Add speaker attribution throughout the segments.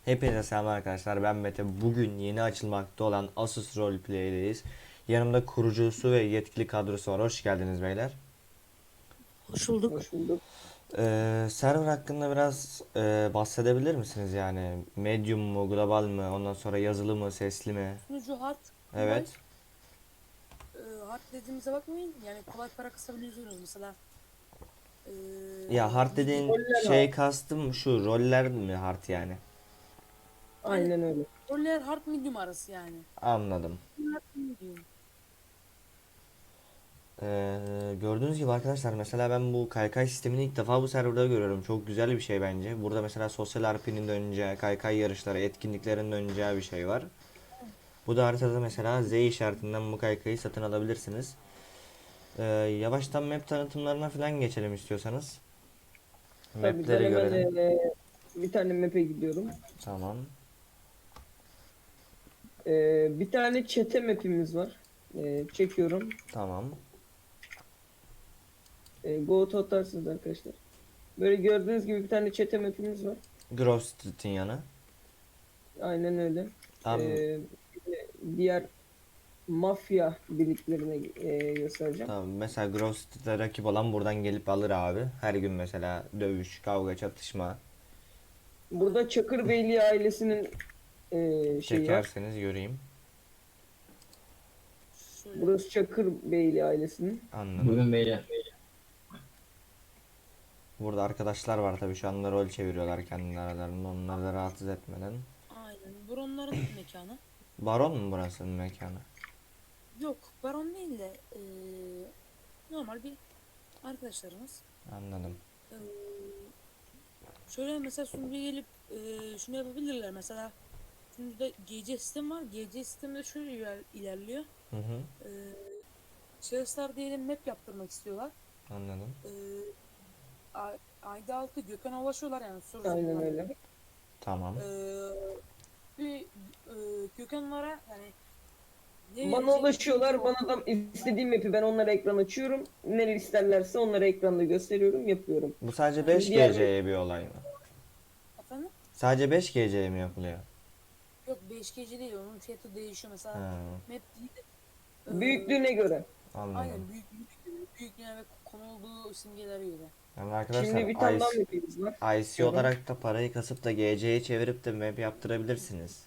Speaker 1: Hepinize selam arkadaşlar, ben Mete. Bugün yeni açılmakta olan Asus Roleplay'deyiz. Yanımda kurucusu ve yetkili kadrosu var. Hoş geldiniz beyler.
Speaker 2: Hoş bulduk.
Speaker 3: Hoş bulduk.
Speaker 1: Server hakkında biraz bahsedebilir misiniz yani? Medium mu, global mı, ondan sonra yazılı mı, sesli mi?
Speaker 2: Sunucu hard, kolay.
Speaker 1: Evet.
Speaker 2: Hard dediğimize bakmayın. Yani kolay para kasabiliyorsunuz mesela. Ee,
Speaker 1: Ya hard
Speaker 2: Medium.
Speaker 1: dediğin
Speaker 3: Roller var.
Speaker 1: şey kastım şu, roller mi hard yani?
Speaker 2: Aynen.
Speaker 3: Aynen öyle.
Speaker 2: Roller hard medium arası yani.
Speaker 1: Anladım.
Speaker 2: Hard medium.
Speaker 1: Gördüğünüz gibi arkadaşlar, mesela ben bu kaykay sistemini ilk defa bu serverda görüyorum. Çok güzel bir şey bence. Burada mesela sosyal RP'nin döneceği, kaykay yarışları, etkinliklerin döneceği bir şey var. Bu da haritada mesela Z işaretinden bu kaykayı satın alabilirsiniz. Yavaştan map tanıtımlarına falan geçelim istiyorsanız.
Speaker 3: Tabii ben
Speaker 1: Mapleri
Speaker 3: hemen
Speaker 1: görelim.
Speaker 3: bir tane map'e gidiyorum.
Speaker 1: Tamam.
Speaker 3: Bir tane çete map'imiz var. Çekiyorum.
Speaker 1: Tamam.
Speaker 3: Go to atarsınız arkadaşlar. Böyle gördüğünüz gibi bir tane çete map'imiz var.
Speaker 1: Grove Street'in yanı.
Speaker 3: Aynen öyle.
Speaker 1: Tamam.
Speaker 3: Bir de diğer mafya birliklerine göstereceğim.
Speaker 1: Tamam. Mesela Grove Street'e rakip olan buradan gelip alır abi. Her gün mesela dövüş, kavga, çatışma.
Speaker 3: Burada Çakırbeyli ailesinin şeyi var.
Speaker 1: Çekerseniz göreyim.
Speaker 2: Şöyle.
Speaker 3: Burası Çakırbeyli ailesinin.
Speaker 1: Anladım.
Speaker 4: Bugün beyler.
Speaker 1: Burada arkadaşlar var tabii, şu anda rol çeviriyorlar kendi aralarında, onları da rahatsız etmeden.
Speaker 2: Aynen. Baronların mekanı.
Speaker 1: Baron mu burasının mekanı?
Speaker 2: Yok. Baron değil de normal bir arkadaşlarımız.
Speaker 1: Anladım.
Speaker 2: Ee, Şöyle mesela sunucuya gelip şunu yapabilirler. Mesela sunucuda GC sistem var. GC sistemde şöyle ilerliyor.
Speaker 1: Hı hı.
Speaker 2: Ee, Şahıslar diyelim map yaptırmak istiyorlar.
Speaker 1: Anladım.
Speaker 2: Ee, Ayda 6 Gökhan'a ulaşıyorlar yani soru
Speaker 3: Aynen
Speaker 2: sormalarla.
Speaker 3: öyle.
Speaker 1: Tamam.
Speaker 2: Ee, bir Gökhan'lara yani ne
Speaker 3: Bana
Speaker 2: verecek
Speaker 3: ulaşıyorlar. Bana da istediğim map'i ben onlara ekran açıyorum. Neler isterlerse onlara ekranda gösteriyorum, yapıyorum.
Speaker 1: Bu sadece
Speaker 2: yani,
Speaker 1: 5
Speaker 3: Diğer
Speaker 1: GC'ye bir olay mı?
Speaker 2: efendim?
Speaker 1: Sadece 5 GC'ye mi yapılıyor?
Speaker 2: Yok 5 gece değil onun fiyatı değişiyor mesela
Speaker 1: Ha,
Speaker 2: map değil de
Speaker 3: büyüklüğüne göre.
Speaker 1: anladım.
Speaker 2: aynen büyüklüğüne ve konulduğu simgelere göre.
Speaker 1: Yani
Speaker 3: Şimdi bir
Speaker 1: arkadaşlar
Speaker 3: tane daha map'imiz var.
Speaker 1: IC
Speaker 3: Şöyle.
Speaker 1: olarak da parayı kasıp da GC'ye çevirip de map yaptırabilirsiniz.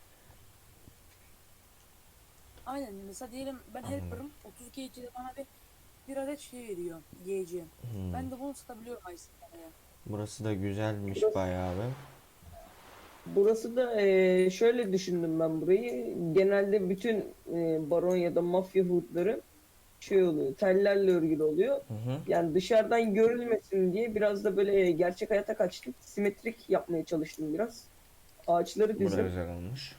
Speaker 2: Aynen mesela diyelim ben
Speaker 1: Anladım.
Speaker 2: helper'ım 32 gecede bana bir adet şey veriyor GC. Ben de bunu satabiliyorum IC'ye.
Speaker 1: Burası da güzelmiş
Speaker 3: Burası,
Speaker 1: bayağı bir.
Speaker 3: burası da şöyle düşündüm ben burayı. Genelde bütün baron ya da mafya hoodları şey oluyor. Tellerle örgülü oluyor.
Speaker 1: Hı hı.
Speaker 3: Yani dışarıdan görülmesin diye biraz da böyle gerçek hayata kaçtık. Simetrik yapmaya çalıştım biraz. Ağaçları
Speaker 1: Burası
Speaker 3: dizdim.
Speaker 1: güzel olmuş.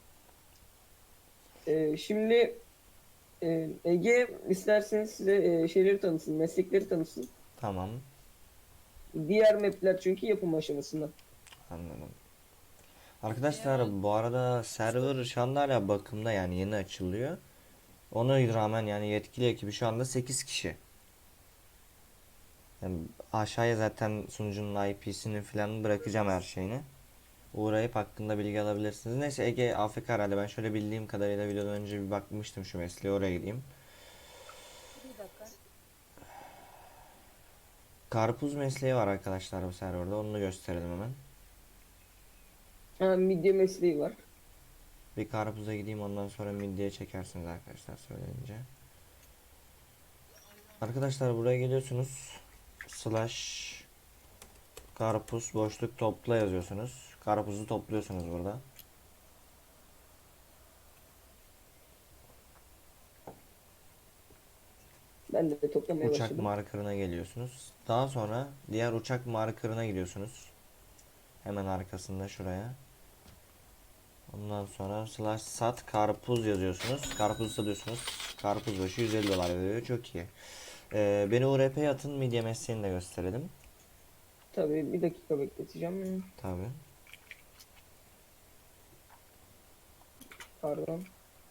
Speaker 3: Şimdi Ege isterseniz size şeyleri tanısın, meslekleri tanısın.
Speaker 1: Tamam.
Speaker 3: Diğer mapler çünkü yapım aşamasında.
Speaker 1: Anladım.
Speaker 2: Eğer o
Speaker 1: Arkadaşlar bu arada server şu anda hala bakımda, yani yeni açılıyor. Ona rağmen yani yetkili ekibi şu anda 8 kişi. Yani aşağıya zaten sunucunun IP'sini falan bırakacağım, her şeyini. Uğrayıp hakkında bilgi alabilirsiniz. Neyse, Ege AFK herhalde. Ben şöyle bildiğim kadarıyla videodan önce bir bakmıştım şu mesleğe, oraya gideyim.
Speaker 2: bir dakika.
Speaker 1: Karpuz mesleği var arkadaşlar bu serverda. Onu da gösterelim hemen.
Speaker 3: Ha, midye mesleği var.
Speaker 1: Bir karpuza gideyim, ondan sonra midyeye çekersiniz arkadaşlar söyleyince. Arkadaşlar buraya geliyorsunuz. Slash karpuz boşluk topla yazıyorsunuz. Karpuzu topluyorsunuz burada.
Speaker 3: Ben de toplamaya
Speaker 1: Uçak
Speaker 3: başladım.
Speaker 1: markerına geliyorsunuz. Daha sonra diğer uçak markerına gidiyorsunuz. Hemen arkasında şuraya. Ondan sonra slash sat karpuz yazıyorsunuz. Karpuz satıyorsunuz. Karpuz başı 150 dolar veriyor. Çok iyi. Beni URP'ye atın, midye mesleğini de gösterelim.
Speaker 3: Tabii bir dakika bekleteceğim.
Speaker 1: Tabii.
Speaker 3: Pardon.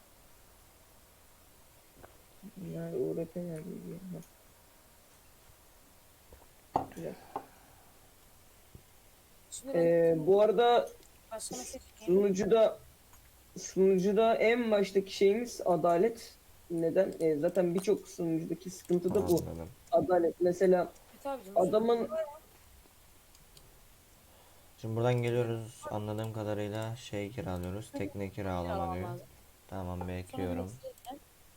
Speaker 3: Nerede URP nerede? Güzel.
Speaker 2: Şimdi ben
Speaker 3: Bu arada
Speaker 2: Başka meslek çekeyim.
Speaker 3: Sunucuda en baştaki şeyimiz adalet. Neden? Zaten birçok sunucudaki sıkıntı da bu.
Speaker 1: Anladım.
Speaker 3: Adalet. Mesela
Speaker 2: Evet abicim.
Speaker 3: adamın
Speaker 1: Şimdi buradan geliyoruz. Anladığım kadarıyla şey kiralıyoruz. Tekne kiralama
Speaker 2: Kiralamam
Speaker 1: diyor.
Speaker 2: lazım.
Speaker 1: Tamam,
Speaker 2: Sonra
Speaker 1: bekliyorum.
Speaker 2: meslekten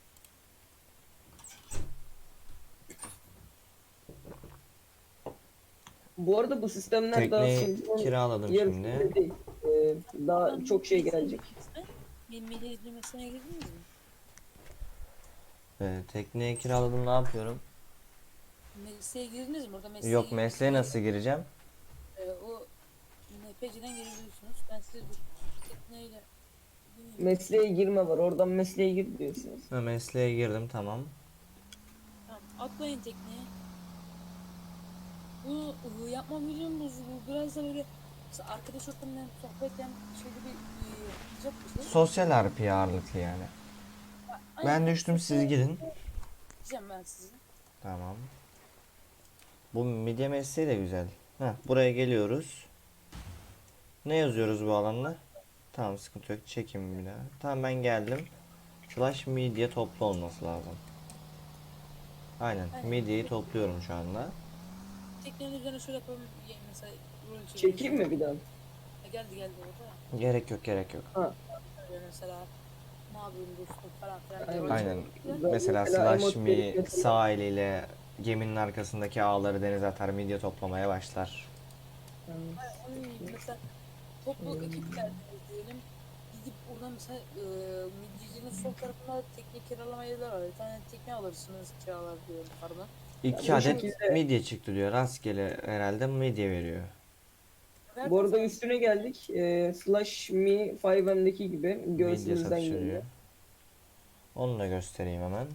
Speaker 3: bu arada bu sistemler daha
Speaker 1: Tekneyi
Speaker 3: sunucunun
Speaker 1: kiraladım
Speaker 3: yarısında
Speaker 1: şimdi.
Speaker 3: değil. Daha çok şey gelecek.
Speaker 2: Bir milli mesleğine girdiniz mi?
Speaker 1: Tekneyi kiraladım, ne yapıyorum?
Speaker 2: Mesleğe girdiniz mi? Orada mesleğe
Speaker 1: Yok, mesleğe nasıl gireceğim?
Speaker 2: O NPC'den girebiliyorsunuz. Ben size dur. Tekneyle
Speaker 3: Mesleğe girme var. Oradan mesleğe gir diyorsunuz.
Speaker 1: Ha, mesleğe girdim, tamam.
Speaker 2: tamam, atlayın tekneye. Bu yapma videomuz bu biraz da böyle mesela arkadaş ortamından sohbetten şöyle bir yapacak bir şey.
Speaker 1: Sosyal RP ağırlıklı yani. Ben düştüm, siz girin.
Speaker 2: Diyeceğim ben size.
Speaker 1: Tamam. Bu midye mesleği de güzel. Heh, buraya geliyoruz. Ne yazıyoruz bu alanda? Tamam, sıkıntı yok. Çekim bir daha. Tamam, ben geldim. Slash midye toplu olması lazım. Aynen.
Speaker 2: Aynen.
Speaker 1: Midyeyi topluyorum şu anda.
Speaker 2: Teknenin üzerine şöyle yapalım. Mesela rol
Speaker 3: Çekeyim mi bir daha?
Speaker 2: Geldi orada.
Speaker 1: Gerek yok, gerek yok.
Speaker 3: Ha.
Speaker 2: Böyle mesela ne yapıyorsun dostum falan filan.
Speaker 3: Aynen.
Speaker 2: diye rol
Speaker 1: Aynen.
Speaker 2: çekelim.
Speaker 1: Mesela
Speaker 3: Mesela
Speaker 1: slash
Speaker 3: emot
Speaker 1: me
Speaker 3: verip mesela-
Speaker 1: sağ eliyle geminin arkasındaki ağları denize atar, midye toplamaya başlar.
Speaker 2: Mesela toplu ekipler diyelim. Gidip oradan mesela midyecinin sol tarafında tekne kiralama yerler var. Bir tane tekne alırsınız kiralar diyorum pardon.
Speaker 1: 2
Speaker 3: bu
Speaker 1: adet
Speaker 3: şekilde-
Speaker 1: midye çıktı diyor. Rastgele herhalde midye veriyor.
Speaker 3: Bu arada üstüne geldik. Slash Me 5M'deki gibi
Speaker 1: Midye
Speaker 3: göğsümüzden
Speaker 1: satışı
Speaker 3: geliyor.
Speaker 1: diyor. Onu da göstereyim hemen.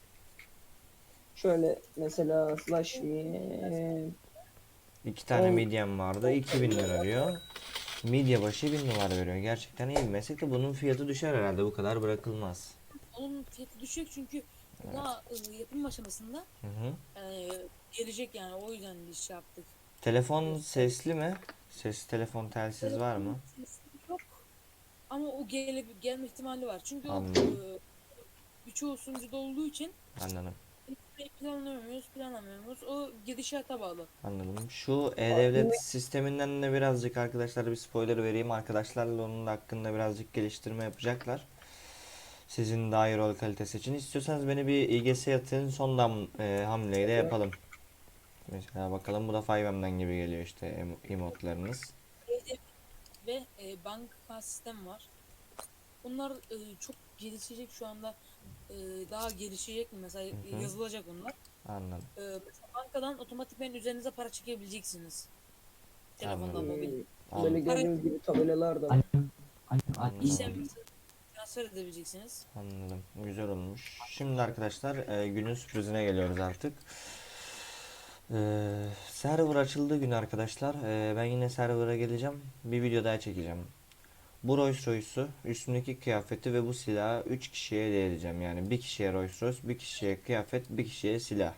Speaker 3: Şöyle mesela Slash Me
Speaker 1: 2 tane
Speaker 3: On-
Speaker 1: midyem vardı. 2000 lira diyor. Midye başı 1000 dolar veriyor. Gerçekten iyi bir meslek de bunun fiyatı düşer herhalde. Bu kadar bırakılmaz.
Speaker 2: Onun fiyatı düşük çünkü daha yapım aşamasında
Speaker 1: Hı hı.
Speaker 2: gelecek yani o yüzden bir şey yaptık.
Speaker 1: Telefon sesli mi? Sesli telefon, telsiz var mı?
Speaker 2: Sesi yok ama o gelme ihtimali var. Çünkü o
Speaker 1: Anladım.
Speaker 2: birçoğu sunucuda olduğu için
Speaker 1: Anladım.
Speaker 2: planlamıyoruz. O gidişata bağlı.
Speaker 1: Anladım. Şu e-devlet sisteminden de birazcık arkadaşlar bir spoiler vereyim. Arkadaşlarla onun da hakkında birazcık geliştirme yapacaklar. Sizin daha iyi rol kalitesi için. İstiyorsanız beni bir İGS atın, hamleyi de yapalım. Mesela bakalım, bu da 5M'den gibi geliyor işte emotlarınız.
Speaker 2: Ve banka sistem var. Bunlar çok gelişecek şu anda. Daha gelişecek mi? Mesela
Speaker 1: Hı.
Speaker 2: yazılacak onlar.
Speaker 1: Anladım.
Speaker 2: Mesela bankadan otomatikmen üzerinize para çekebileceksiniz. Telefondan
Speaker 1: Anladım.
Speaker 2: mobil.
Speaker 3: böyle
Speaker 1: Anladım.
Speaker 3: gördüğünüz gibi tabelalar da var.
Speaker 2: İşlem transfer edebileceksiniz.
Speaker 1: Anladım. Güzel olmuş. Şimdi arkadaşlar günün sürprizine geliyoruz artık. Server açıldığı gün arkadaşlar ben yine server'a geleceğim. Bir video daha çekeceğim. Bu Rolls Royce'u, üstündeki kıyafeti ve bu silahı 3 kişiye hediye edeceğim. Yani bir kişiye Rolls Royce, bir kişiye kıyafet, bir kişiye silah.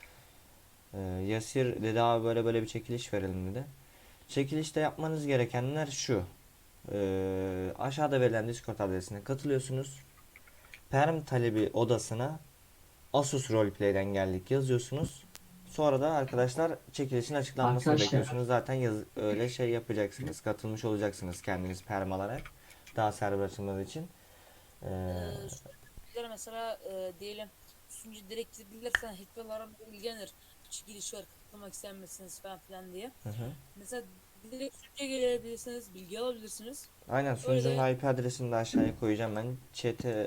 Speaker 1: Yasir dedi abi böyle böyle bir çekiliş verelim dedi. Çekilişte yapmanız gerekenler şu. Aşağıda verilen Discord adresine katılıyorsunuz. Perm talebi odasına Asus Roleplay'den geldik yazıyorsunuz. Sonra da arkadaşlar çekilişin açıklanmasını
Speaker 4: Arkadaşlar.
Speaker 1: bekliyorsunuz. Zaten öyle şey yapacaksınız. Katılmış olacaksınız kendiniz perm alarak. Daha server açılmadığı için.
Speaker 2: Bizlere mesela diyelim sunucu direkt bilirsen hackler'lara ilgilenir. Çekiliş var katılmak ister misiniz falan filan diye.
Speaker 1: Hı hı.
Speaker 2: Mesela direkt sunucuya gelebilirsiniz, bilgi alabilirsiniz.
Speaker 1: Aynen, sunucunun
Speaker 2: Öyle.
Speaker 1: IP adresini de aşağıya koyacağım ben. Chat'e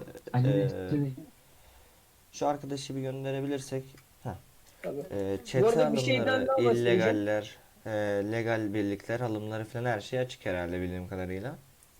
Speaker 1: şu arkadaşı bir gönderebilirsek.
Speaker 3: Tabii. Bu
Speaker 1: Çete
Speaker 3: arada bir şeyden
Speaker 1: alımları,
Speaker 3: daha bahsedeceğim.
Speaker 1: illegaller, legal birlikler alımları falan her şey açık herhalde bildiğim kadarıyla.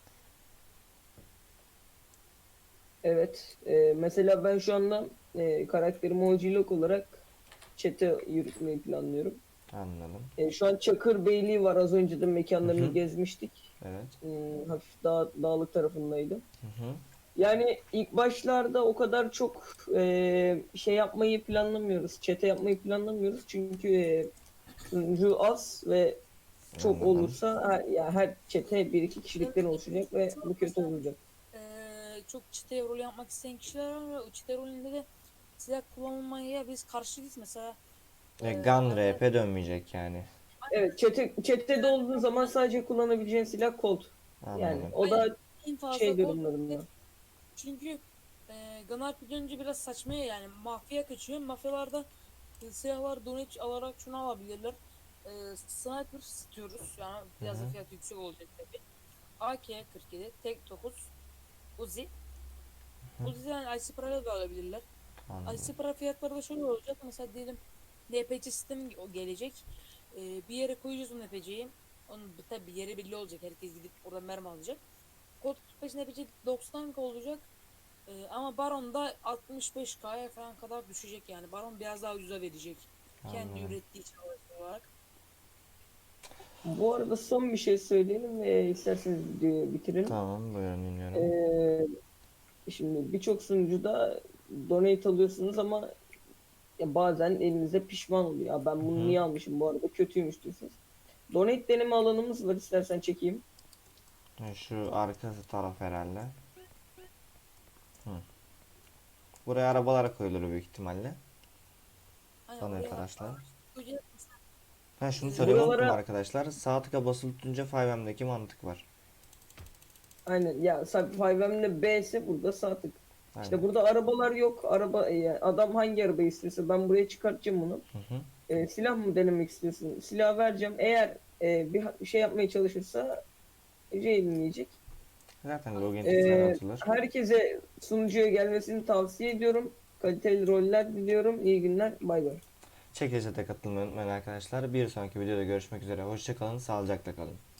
Speaker 3: Evet. Mesela ben şu anda karakterimi OG olarak chat'e yürütmeyi planlıyorum.
Speaker 1: Anladım.
Speaker 3: Şu an Çakır Beyliği var. Az önce de mekanlarını
Speaker 1: Hı hı.
Speaker 3: gezmiştik.
Speaker 1: Evet.
Speaker 3: Hafif dağlık tarafındaydı.
Speaker 1: Hı hı.
Speaker 3: Yani ilk başlarda o kadar çok şey yapmayı planlamıyoruz. Çete yapmayı planlamıyoruz. Çünkü sunucu az ve çok
Speaker 1: Anladım.
Speaker 3: olursa ya her çete bir iki kişilikten oluşacak ve bu kötü olacak.
Speaker 2: Çok çete rol yapmak isteyen kişiler var ve o çete rolünde de silah kullanılmaya biz karşıyız mesela.
Speaker 1: Gun
Speaker 2: Hani
Speaker 1: RP dönmeyecek yani.
Speaker 3: Evet, çetede olduğun zaman sadece kullanabileceğin silah Colt. Yani
Speaker 1: Anladım.
Speaker 3: o
Speaker 2: aynen
Speaker 3: da
Speaker 2: en fazla
Speaker 3: şey
Speaker 2: kol
Speaker 3: durumlarında.
Speaker 2: çünkü Gunnar dönünce biraz saçmaya yani mafya kaçıyor. Mafyalarda silahlar donate alarak şunu alabilirler. Sniper istiyoruz. Yani
Speaker 1: Hı
Speaker 2: biraz da
Speaker 1: hı.
Speaker 2: fiyat yüksek olacak tabii. AK-47, Tek 9, Uzi. Uzi'den IC parayla da alabilirler.
Speaker 1: Anladım.
Speaker 2: IC para fiyatları da şöyle olacak. Mesela diyelim NPC sistemi gelecek. Bir yere koyacağız o NPC'yi. Onun tabii bir yeri belli olacak. Herkes gidip oradan mermi alacak. Kod 45 NPC 90K olacak. Ama Baron'da 65K'ya falan kadar düşecek yani. Baron biraz daha ucuza verecek. Kendi
Speaker 1: Anladım.
Speaker 2: ürettiği için olarak.
Speaker 3: Bu arada son bir şey söyleyelim ve isterseniz videoyu bitirelim.
Speaker 1: Tamam, buyurun dinliyorum.
Speaker 3: Şimdi birçok sunucuda donate alıyorsunuz ama ya bazen elinizde pişman oluyor. Ya ben
Speaker 1: Hı
Speaker 3: bunu
Speaker 1: hı.
Speaker 3: niye almışım, bu arada kötüymüş diyorsunuz. Donate deneme alanımız var, istersen çekeyim.
Speaker 1: Şu arka taraf herhalde. Hı. Buraya arabalar koyulur büyük ihtimalle.
Speaker 2: Hani
Speaker 1: Donate
Speaker 2: oraya
Speaker 1: araçlar.
Speaker 2: koyacağız.
Speaker 1: Ha, şunu söylemeyi unuttum
Speaker 3: Buralara
Speaker 1: arkadaşlar. Sağ tıka basılı tutunca 5M'deki mantık var.
Speaker 3: aynen ya, 5M'de B ise burada sağ tık. İşte
Speaker 1: Aynen.
Speaker 3: burada arabalar yok. Yani adam hangi arabayı istiyorsa ben buraya çıkartacağım bunu.
Speaker 1: Hı hı.
Speaker 3: Silah mı denemek istiyorsun? Silah vereceğim. Eğer bir şey yapmaya çalışırsa yiyecek.
Speaker 1: Zaten login tuşları
Speaker 3: E,
Speaker 1: atılır.
Speaker 3: Herkese sunucuya gelmesini tavsiye ediyorum. Kaliteli roller diliyorum. İyi günler. Bay bay.
Speaker 1: Çekilişe de katılmayı unutmayın arkadaşlar. Bir sonraki videoda görüşmek üzere. Hoşça kalın, sağlıcakla kalın.